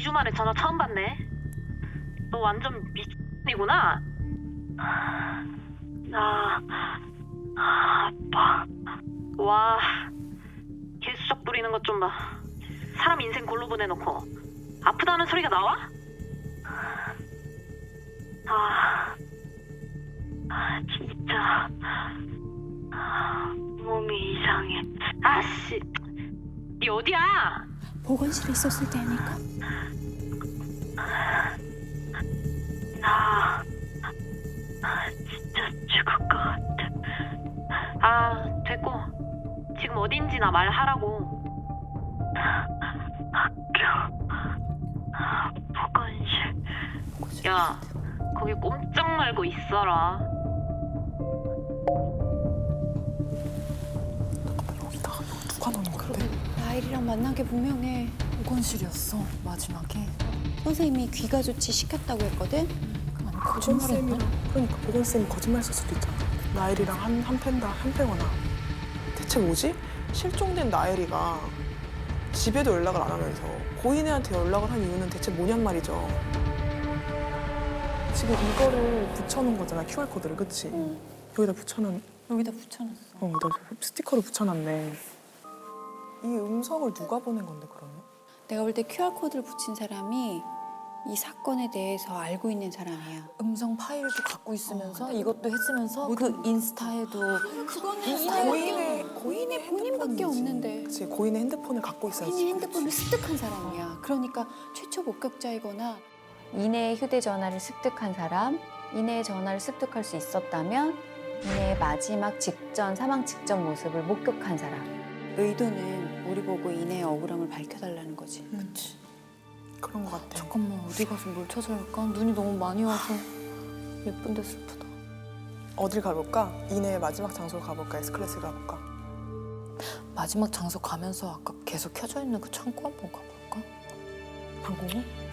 2주 만에 전화 처음 받네. 너 완전 미친이구나. 나 아빠. 와, 개수작 부리는 것 좀 봐. 사람 인생 골로 보내놓고 아프다는 소리가 나와? 진짜 몸이 이상해. 아씨, 니 어디야? 보건실에 있었을 때 아닐까? 나 진짜 죽을 것 같아. 됐고. 지금 어딘지나 말하라고. 학교 보건실. 야, 거기 꼼짝 말고 있어라. 여기다가 누가 넣은 건데? 나일이랑 만난 게 분명해. 보건실이었어 마지막에. 선생님이 귀가 조치 시켰다고 했거든? 아니 거짓말했나? 그러니까 보건쌤이 거짓말 했을 수도 있잖아. 나엘이랑 한 패거나. 대체 뭐지? 실종된 나엘이가 집에도 연락을 안 하면서 고인애한테 연락을 한 이유는 대체 뭐냔 말이죠. 지금 이거를 붙여놓은 거잖아, QR코드를, 그치? 응. 여기다 붙여놓은, 여기다 붙여놨어. 나 스티커를 붙여놨네. 이 음성을 누가 보낸 건데, 그러면? 내가 볼 때 QR코드를 붙인 사람이 이 사건에 대해서 알고 있는 사람이야. 음성 파일도 갖고 있으면서 이것도 했으면서 그 인스타에도 그거는 고인의 본인밖에 핸드폰이지. 없는데. 그치, 고인의 핸드폰을 갖고 있어야지. 본인 핸드폰을 습득한 사람이야. 그러니까 최초 목격자이거나 이내의 휴대전화를 습득한 사람, 이내의 전화를 습득할 수 있었다면 이내의 마지막 직전, 사망 직전 모습을 목격한 사람. 의도는 우리 보고 이내의 억울함을 밝혀달라는 거지. 그치. 그런 것 같아. 잠깐만 어디 가서 뭘 찾아야 할까? 눈이 너무 많이 와서 예쁜데 슬프다. 어딜 가볼까? 이내의 마지막 장소로 가볼까? S클래스를 가볼까? 마지막 장소 가면서 아까 계속 켜져 있는 그 창고 한번 가볼까? 방공호?